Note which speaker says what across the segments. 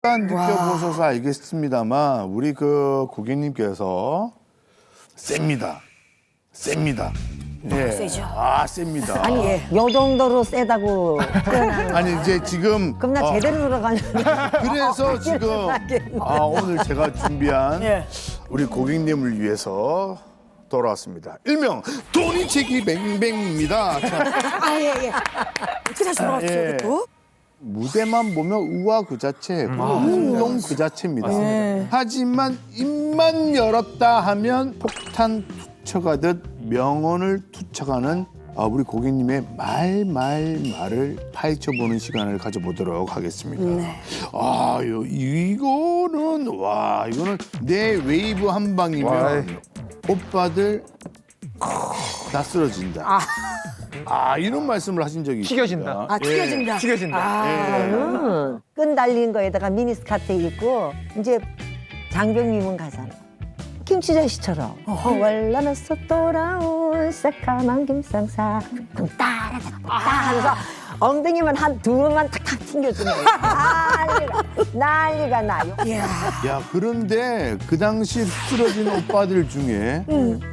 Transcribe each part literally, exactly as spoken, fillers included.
Speaker 1: 일단 느껴보셔서 알겠습니다만 우리 그 고객님께서 셉니다. 셉니다. 예.
Speaker 2: 세죠.
Speaker 1: 아, 셉니다.
Speaker 3: 아니,
Speaker 2: 예.
Speaker 3: 요 정도로 세다고 표현하는
Speaker 1: 아니 이제 지금
Speaker 3: 그럼 나
Speaker 1: 어,
Speaker 3: 제대로 들어가냐.
Speaker 1: 그래서 지금 아 오늘 제가 준비한
Speaker 2: 예.
Speaker 1: 우리 고객님을 위해서 돌아왔습니다. 일명 돈이치기 뱅뱅입니다. 자,
Speaker 2: 아, 예, 예. 어떻게 다시 돌아왔죠,
Speaker 1: 예.
Speaker 2: 이게 또?
Speaker 1: 무대만 보면 우아 그 자체, 운동 그 자체입니다. 하지만 입만 열었다 하면 폭탄 투척하듯 명언을 투척하는 아, 우리 고객님의 말, 말, 말을 파헤쳐보는 시간을 가져보도록 하겠습니다.
Speaker 2: 네.
Speaker 1: 아, 요, 이거는, 와, 이거는 내 웨이브 한 방이면 오빠들 다 쓰러진다. 아. 아, 이런 말씀을 하신 적이 있습니다.
Speaker 4: 튀겨진다.
Speaker 2: 아, 튀겨진다.
Speaker 4: 튀겨진다.
Speaker 2: 아,
Speaker 3: 음, 끈 달린 거에다가 미니스커트 입고 이제 장병님은 가잖아. 김치전 씨처럼 월남에서 돌아온 새까만 김상사 따라다 따 하면서 엉덩이만 한 두 번만 탁탁 튕겨주면 난리가 난리가 나요.
Speaker 2: 이야.
Speaker 1: 야, 그런데 그 당시 쓰러진 오빠들 중에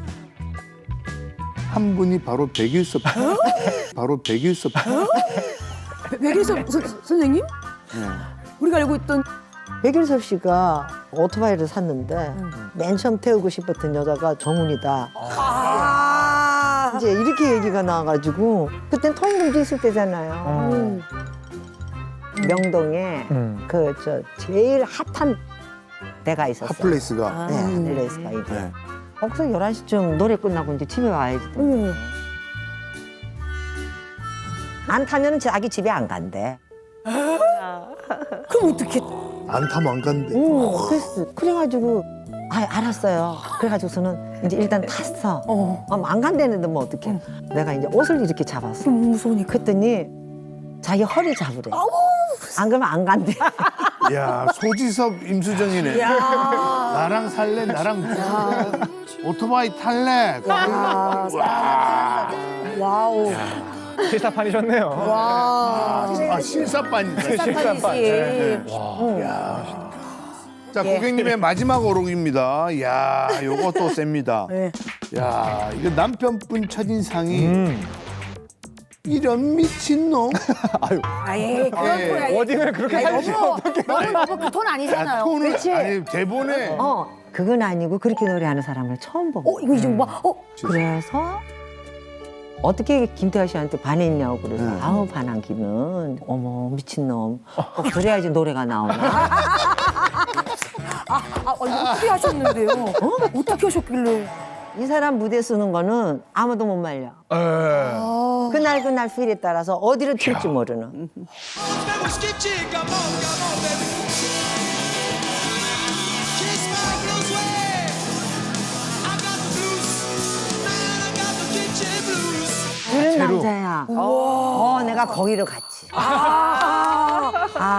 Speaker 1: 한 분이 바로 백일섭. 바로 백일섭.
Speaker 2: 백일섭 선- 선생님?
Speaker 1: 네.
Speaker 2: 우리가 알고 있던
Speaker 3: 백일섭 씨가 오토바이를 샀는데 맨 처음 태우고 싶었던 여자가 정훈이다.
Speaker 2: 아.
Speaker 3: 이제 이렇게 얘기가 나와가지고 그땐 통금도 있을 때잖아요.
Speaker 2: 음.
Speaker 3: 명동에
Speaker 4: 음.
Speaker 3: 그 저 제일 핫한 데가 있었어요.
Speaker 1: 핫플레이스가.
Speaker 3: 네, 핫플레이스가 이제.
Speaker 1: 네.
Speaker 3: 거기서 열한 시쯤 노래 끝나고 이제 집에 와야지.
Speaker 2: 음.
Speaker 3: 안 타면은 자기 집에 안 간대.
Speaker 2: 그럼 어떻게?
Speaker 1: 안 타면 안 간대.
Speaker 3: 응, 그랬어. 그래가지고 아 알았어요. 그래가지고서는 이제 일단 탔어.
Speaker 2: 어.
Speaker 3: 아, 안 간다는데 뭐 어떡해. 내가 이제 옷을 이렇게 잡았어.
Speaker 2: 그럼 무서우니까.
Speaker 3: 그랬더니 자기 허리 잡으래. 안 그러면 안 간대.
Speaker 1: 야, 소지섭 임수정이네.
Speaker 2: 야.
Speaker 1: 나랑 살래, 나랑 살래. 오토바이 탈래. 와.
Speaker 2: 와우.
Speaker 4: 실사판이셨네요.
Speaker 2: 와.
Speaker 1: 아, 실사반이다.
Speaker 2: 깜빡이지.
Speaker 1: 자, 고객님의 마지막 오록입니다. 야, 요거 또 셉니다.
Speaker 2: 네.
Speaker 1: 야, 이거 남편분 첫인상이
Speaker 4: 음.
Speaker 1: 이런 미친놈.
Speaker 2: 아예 그런
Speaker 1: 예.
Speaker 2: 톤 아니에요.
Speaker 4: 워딩을 그렇게
Speaker 2: 아니,
Speaker 4: 살리시면
Speaker 2: 너무 너무 너무 그 톤 아니잖아요.
Speaker 1: 톤을
Speaker 3: 그치?
Speaker 1: 아니 대본에
Speaker 3: 어, 그건 아니고 그렇게 노래하는 사람을 처음 본 거야.
Speaker 2: 어 이거 이제 뭐? 어
Speaker 3: 그래서 어떻게 김태하 씨한테 반했냐고 그래서
Speaker 1: 네.
Speaker 3: 아우 반한기는 어머 미친놈 어, 그래야지 노래가 나오나.
Speaker 2: 아, 아 이거 어떻게 하셨는데요? 어? 어떻게 하셨길래?
Speaker 3: 이 사람 무대 쓰는 거는 아무도 못 말려.
Speaker 4: 에.
Speaker 2: 아.
Speaker 3: 그날 그날 필에 따라서 어디를 튈지 모르는.
Speaker 5: Vamos que chica, come on, come on, baby. Kiss my blues way. I got the blues, man, I got the kitchen blues.
Speaker 3: 그런
Speaker 4: 제로.
Speaker 3: 남자야. 어, 내가 거기로 갔지.
Speaker 2: 아.